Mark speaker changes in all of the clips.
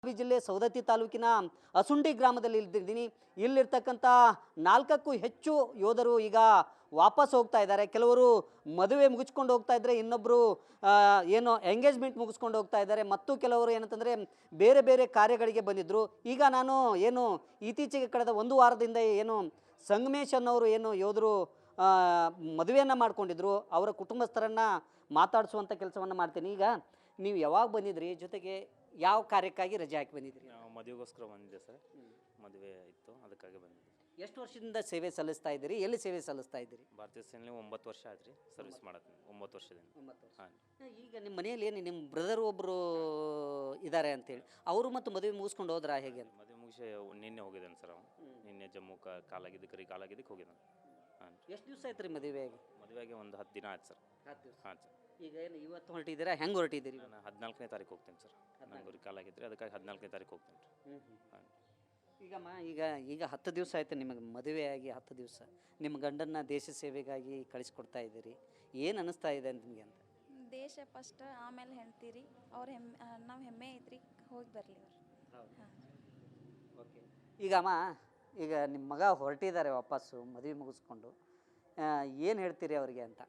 Speaker 1: ಬೆಳಗಾವಿ ಜಿಲ್ಲೆ ಸವದತ್ತಿ ತಾಲೂಕಿನ ಅಸುಂಡಿ ಗ್ರಾಮದಲ್ಲಿ ಇದ್ದೀನಿ. ಇಲ್ಲಿರ್ತಕ್ಕಂಥ 4ಕ್ಕೂ ಹೆಚ್ಚು ಯೋಧರು ಈಗ ವಾಪಸ್ ಹೋಗ್ತಾ ಇದ್ದಾರೆ. ಕೆಲವರು ಮದುವೆ ಮುಗಿಸ್ಕೊಂಡು ಹೋಗ್ತಾ ಇದ್ದಾರೆ, ಇನ್ನೊಬ್ಬರು ಏನು ಎಂಗೇಜ್ಮೆಂಟ್ ಮುಗಿಸ್ಕೊಂಡು ಹೋಗ್ತಾ ಇದ್ದಾರೆ, ಮತ್ತು ಕೆಲವರು ಏನಂತಂದರೆ ಬೇರೆ ಬೇರೆ ಕಾರ್ಯಗಳಿಗೆ ಬಂದಿದ್ದರು. ಈಗ ನಾನು ಏನು ಇತ್ತೀಚೆಗೆ ಕಳೆದ ಒಂದು ವಾರದಿಂದ ಏನು ಸಂಗಮೇಶ್ ಅನ್ನೋರು ಏನು ಯೋಧರು ಮದುವೆಯನ್ನು ಮಾಡ್ಕೊಂಡಿದ್ರು, ಅವರ ಕುಟುಂಬಸ್ಥರನ್ನು ಮಾತಾಡಿಸುವಂಥ ಕೆಲಸವನ್ನು ಮಾಡ್ತೀನಿ. ಈಗ ನೀವು ಯಾವಾಗ ಬಂದಿದ್ರಿ, ಜೊತೆಗೆ ಯಾವ ಕಾರ್ಯಕ್ಕಾಗಿ ರಜೆ ಹಾಕಿ ಬಂದಿದ್ರಿ?
Speaker 2: ನಾವು ಮದುವೆಗೋಸ್ಕರ ಬಂದಿದ್ದೆ ಸರ್. ಮದುವೆ ಇತ್ತು, ಅದಕ್ಕಾಗಿ ಬಂದಿದ್ದೆ.
Speaker 1: ಎಷ್ಟು ವರ್ಷದಿಂದ ಸೇವೆ ಸಲ್ಲಿಸ್ತಾ ಇದ್ದೀರಿ? ಎಲ್ಲಿ ಸೇವೆ ಸಲ್ಲಿಸ್ತಾ ಇದ್ದೀರಿ?
Speaker 2: ಭಾರತೀಯ ಸೇನೆಯಲ್ಲಿ 9 ವರ್ಷ ಆಯ್ತು ರೀ ಸರ್ವಿಸ್ ಮಾಡತ್ತೀನಿ. 9 ವರ್ಷದಿಂದ.
Speaker 1: 9 ವರ್ಷ.
Speaker 2: ಹಾಂ.
Speaker 1: ಈಗ ನಿಮ್ಮ ಮನೆಯಲ್ಲಿ ಏನು ನಿಮ್ಮ ಬ್ರದರ್ ಒಬ್ಬರು ಇದ್ದಾರೆ ಅಂತೇಳಿ, ಅವರು ಮತ್ತು ಮದುವೆ ಮುಗಿಸ್ಕೊಂಡು ಹೋದ್ರಾ ಹೇಗೆ ಅಂತ?
Speaker 2: ಮದುವೆ ಮುಗಿಸಿ ನಿನ್ನೆ ಹೋಗಿದ್ದಾನೆ ಸರ್. ಅವನು ನಿನ್ನೆ ಜಮ್ಮು ಕಾಲಾಗಿದ್ದಕ್ಕೆ ಹೋಗಿದ್ದಾನೆ. ಹಾಂ.
Speaker 1: ಎಷ್ಟು ದಿವಸ ಆಯ್ತು ರೀ ಮದುವೆಯಾಗಿ?
Speaker 2: ಮದುವೆಗೆ ಒಂದು 10 ದಿನ ಆಯ್ತು ಸರ್.
Speaker 1: 10 ದಿವಸ.
Speaker 2: ಹಾಂ ಸರ್.
Speaker 1: ಈಗ ಏನು ಇವತ್ತು ಹೊರಟಿದ್ದೀರಾ, ಹೆಂಗೆ ಹೊರಟಿದ್ದೀರಿ?
Speaker 2: ನಾನು 14ನೇ ತಾರೀಕು ಹೋಗ್ತೀನಿ ಸರ್. ನಂಗೆ ಕಾಲಾಗಿದ್ದರೆ ಅದಕ್ಕಾಗಿ 14ನೇ ತಾರೀಕು ಹೋಗ್ತೀನಿ ರೀ. ಹಾಂ.
Speaker 1: ಈಗ 10 ದಿವಸ ಆಯ್ತು ನಿಮಗೆ ಮದುವೆಯಾಗಿ. 10 ದಿವಸ ನಿಮ್ಮ ಗಂಡನ್ನ ದೇಶ ಸೇವೆಗಾಗಿ ಕಳಿಸ್ಕೊಡ್ತಾ ಇದ್ದೀರಿ. ಏನು ಅನ್ನಿಸ್ತಾ ಇದೆ ನಿಮಗೆ ಅಂತ?
Speaker 3: ದೇಶ ಫಸ್ಟ್, ಆಮೇಲೆ ಹೆಣ್ತೀರಿ ಅವ್ರ ನಾವು ಹೆಮ್ಮೆ ಐತ್ರಿ, ಹೋಗಿ ಬರಲಿ ಅವ್ರು. ಹಾಂ.
Speaker 1: ಓಕೆ. ಈಗ ನಿಮ್ಮ ಮಗ ಹೊರಟಿದ್ದಾರೆ ವಾಪಸ್ಸು ಮದುವೆ ಮುಗಿಸ್ಕೊಂಡು, ಏನು ಹೇಳ್ತೀರಿ ಅವರಿಗೆ ಅಂತ?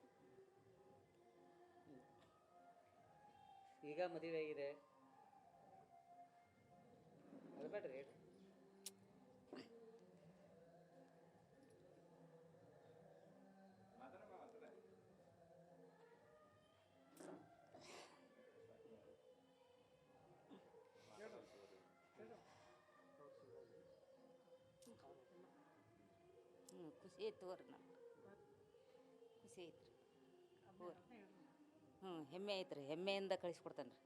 Speaker 1: ಈಗ ಮದುವೆ ಆಗಿದೆ, ಅಳ್ಬೇಡ್ರಿ.
Speaker 4: ಖುಷಿ ಐತೆ ಅವ್ರಿ, ನಮ್ಗೆ ಖುಷಿ ಐತ್ರಿ. ಹೆಮ್ಮೆ ಐತ್ರಿ, ಹೆಮ್ಮೆಯಿಂದ ಕಳಿಸ್ಕೊಡ್ತಾನೆ ರೀ.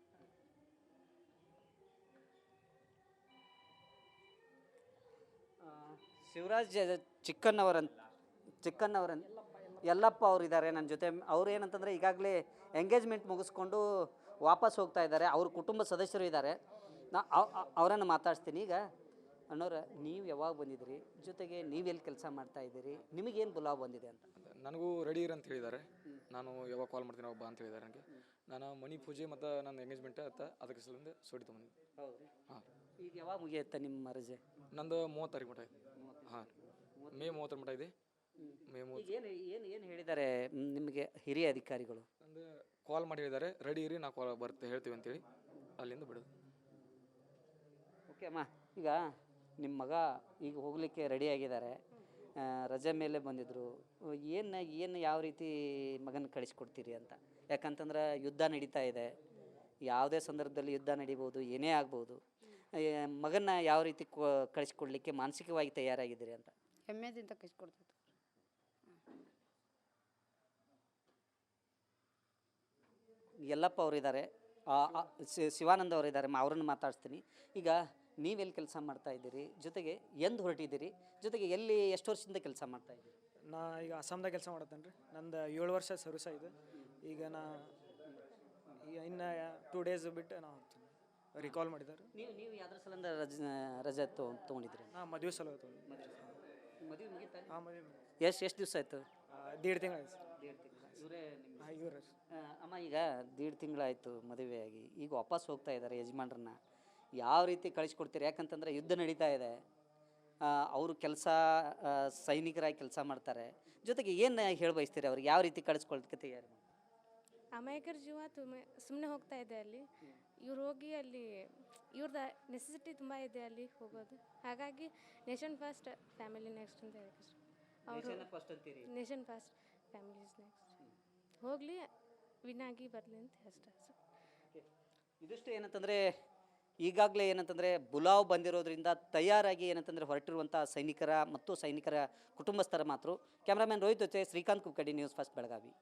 Speaker 1: ಶಿವರಾಜ್ ಚಿಕ್ಕನ್ನವರನ್ ಯಲ್ಲಪ್ಪ ಅವರು ಇದ್ದಾರೆ ನನ್ನ ಜೊತೆ. ಅವ್ರು ಏನಂತಂದರೆ ಈಗಾಗಲೇ ಎಂಗೇಜ್ಮೆಂಟ್ ಮುಗಿಸ್ಕೊಂಡು ವಾಪಸ್ ಹೋಗ್ತಾ ಇದ್ದಾರೆ. ಅವ್ರ ಕುಟುಂಬ ಸದಸ್ಯರು ಇದ್ದಾರೆ, ನಾ ಅವರನ್ನು ಮಾತಾಡ್ತೀನಿ. ಈಗ ಅಣ್ಣವ್ರ, ನೀವು ಯಾವಾಗ ಬಂದಿದ್ದೀರಿ, ಜೊತೆಗೆ ನೀವೆಲ್ಲಿ ಕೆಲಸ ಮಾಡ್ತಾ ಇದ್ದೀರಿ, ನಿಮಗೇನು ಬುಲಾವ್ ಬಂದಿದೆ ಅಂತ?
Speaker 5: ನನಗೂ ರೆಡಿ ಇರ ಅಂತ ಹೇಳಿದ್ದಾರೆ. ನಾನು ಯಾವಾಗ ಕಾಲ್ ಮಾಡ್ತೀನಿ ಅವಾಗ ಬಾ ಅಂತ ಹೇಳಿದ್ದಾರೆ ನನಗೆ. ನಾನು ಮನಿ ಪೂಜೆ ಮತ್ತು ನನ್ನ ಎಂಗೇಜ್ಮೆಂಟ್ ಅದಕ್ಕೆ ಸಲಿಂದ ಸೋಡಿ ತೊಗೊಂಡಿದ್ದೆ.
Speaker 1: ಹೌದು.
Speaker 5: ಹಾಂ.
Speaker 1: ಈಗ ಯಾವಾಗ ಮುಗಿಯುತ್ತೆ ನಿಮ್ಮ ರಜೆ?
Speaker 5: ನಂದು 30 ತಾರೀಕು ಮಟ್ಟ ಇದೆ. ಹಾಂ, ಮೇ 30 ಮಟ್ಟ ಇದೆ. ಮೇ 30.
Speaker 1: ಏನು ಏನು ಏನು ಹೇಳಿದ್ದಾರೆ ನಿಮಗೆ ಹಿರಿಯ ಅಧಿಕಾರಿಗಳು?
Speaker 5: ನಂದು ಕಾಲ್ ಮಾಡಿ ಹೇಳಿದ್ದಾರೆ, ರೆಡಿ ಇರಿ, ನಾವು ಕಾಲ್ ಬರ್ತೆ ಹೇಳ್ತೀವಿ ಅಂತೇಳಿ ಅಲ್ಲಿಂದ ಬಿಡೋದು.
Speaker 1: ಓಕೆ ಅಮ್ಮ, ಈಗ ನಿಮ್ಮ ಮಗ ಈಗ ಹೋಗಲಿಕ್ಕೆ ರೆಡಿಯಾಗಿದ್ದಾರೆ, ರಜೆ ಮೇಲೆ ಬಂದಿದ್ದರು. ಏನು ಯಾವ ರೀತಿ ಮಗನ ಕಳಿಸ್ಕೊಡ್ತೀರಿ ಅಂತ? ಯಾಕಂತಂದ್ರೆ ಯುದ್ಧ ನಡೀತಾ ಇದೆ, ಯಾವುದೇ ಸಂದರ್ಭದಲ್ಲಿ ಯುದ್ಧ ನಡೀಬೋದು, ಏನೇ ಆಗ್ಬೋದು. ಮಗನ ಯಾವ ರೀತಿ ಕಳಿಸ್ಕೊಡ್ಲಿಕ್ಕೆ ಮಾನಸಿಕವಾಗಿ ತಯಾರಾಗಿದ್ದೀರಿ ಅಂತ?
Speaker 4: ಹೆಮ್ಮೆದಿಂದ ಕಳಿಸ್ಕೊಡ್ತೈತೆ.
Speaker 1: ಯಲ್ಲಪ್ಪ ಅವರಿದ್ದಾರೆ, ಶಿವಾನಂದ ಅವರಿದ್ದಾರೆ, ಅವರನ್ನು ಮಾತಾಡ್ತೀನಿ. ಈಗ ನೀವೆಲ್ಲಿ ಕೆಲಸ ಮಾಡ್ತಾ ಇದ್ದೀರಿ, ಜೊತೆಗೆ ಎಂದು ಹೊರಟಿದ್ದೀರಿ, ಜೊತೆಗೆ ಎಲ್ಲಿ ಎಷ್ಟು ವರ್ಷದಿಂದ ಕೆಲಸ ಮಾಡ್ತಾ ಇದ್ದೀರಿ?
Speaker 6: ನಾ ಈಗ ಅಸ್ಸಾಮ್ದಾಗ ಕೆಲಸ ಮಾಡತ್ತೇನೆ ರೀ. ನಂದು 7 ವರ್ಷ ಸರ್ವಿಸ್ ಆಗಿದೆ. ಈಗ ಇನ್ನು 2 ಡೇಸ್ ಬಿಟ್ಟು ನಾವು ರಿಕಾಲ್ ಮಾಡಿದ್ದಾರೆ.
Speaker 1: ನೀವು ಯಾವ್ದ್ರ ಸಲಿಂದ ರಜೆ ತೊಗೊಂಡಿದ್ರಿ?
Speaker 6: ಹಾಂ, ಮದುವೆ ಸಲ ತೊಗೊಂಡು.
Speaker 1: ಮದುವೆ ಮುಗಿತಾ?
Speaker 6: ಹಾಂ, ಮದುವೆ
Speaker 1: ಎಷ್ಟು ದಿವಸ ಆಯಿತು?
Speaker 6: 1.5 ತಿಂಗಳು ಆಯ್ತು ಸರ್.
Speaker 1: 1.5 ತಿಂಗಳು. ಇವರೇ
Speaker 6: ಹಾಂ, ಇವ್ರು
Speaker 1: ಅಮ್ಮ. ಈಗ 1.5 ತಿಂಗಳಾಯಿತು ಮದುವೆಯಾಗಿ, ಈಗ ವಾಪಸ್ ಹೋಗ್ತಾ ಇದ್ದಾರೆ ಯಜಮಾನ್ರನ್ನ. ಯಾವ ರೀತಿ ಕಳಿಸ್ಕೊಡ್ತೀರಿ? ಯಾಕಂತಂದರೆ ಯುದ್ಧ ನಡೀತಾ ಇದೆ, ಅವರು ಸೈನಿಕರಾಗಿ ಕೆಲಸ ಮಾಡ್ತಾರೆ. ಜೊತೆಗೆ ಏನು ಹೇಳಿ ಬಯಸ್ತೀರಿ ಅವ್ರಿಗೆ, ಯಾವ ರೀತಿ ಕಳಿಸ್ಕೊಳ್ತಕ್ಕೆ ತಯಾರಿ?
Speaker 7: ಅಮಾಯಕರ ಜೀವ ಸುಮ್ಮನೆ ಹೋಗ್ತಾ ಇದೆ ಅಲ್ಲಿ. ಇವ್ರು ಹೋಗಿ ಅಲ್ಲಿ ಇವ್ರದ್ದು ನೆಸೆಸಿಟಿ ತುಂಬ ಇದೆ ಅಲ್ಲಿ ಹೋಗೋದು. ಹಾಗಾಗಿ ನೇಷನ್ ಫಸ್ಟ್, ಫ್ಯಾಮಿಲಿ ನೆಕ್ಸ್ಟ್ ಅಂತ ಹೇಳಕ್ಕೆ ಅವರು. Nation first, family is next. ಹೋಗಲಿ, ವಿನ್ ಆಗಿ ಬರಲಿ ಅಂತ ಅಷ್ಟೇ ಸರ್.
Speaker 1: ಇದಿಷ್ಟು ಏನಂತಂದರೆ ಈಗಾಗಲೇ ಏನಂತಂದರೆ ಬುಲಾವ್ ಬಂದಿರೋದ್ರಿಂದ ತಯಾರಾಗಿ ಏನಂತಂದರೆ ಹೊರಟಿರುವಂಥ ಸೈನಿಕರ ಮತ್ತು ಸೈನಿಕರ ಕುಟುಂಬಸ್ಥರ ಮಾತು. ಕ್ಯಾಮ್ರಾಮನ್ ರೋಹಿತ್ ಜೊತೆ ಶ್ರೀಕಾಂತ್ ಕುಕ್ಕಡಿ, ನ್ಯೂಸ್ ಫಸ್ಟ್ ಬೆಳಗಾವಿ.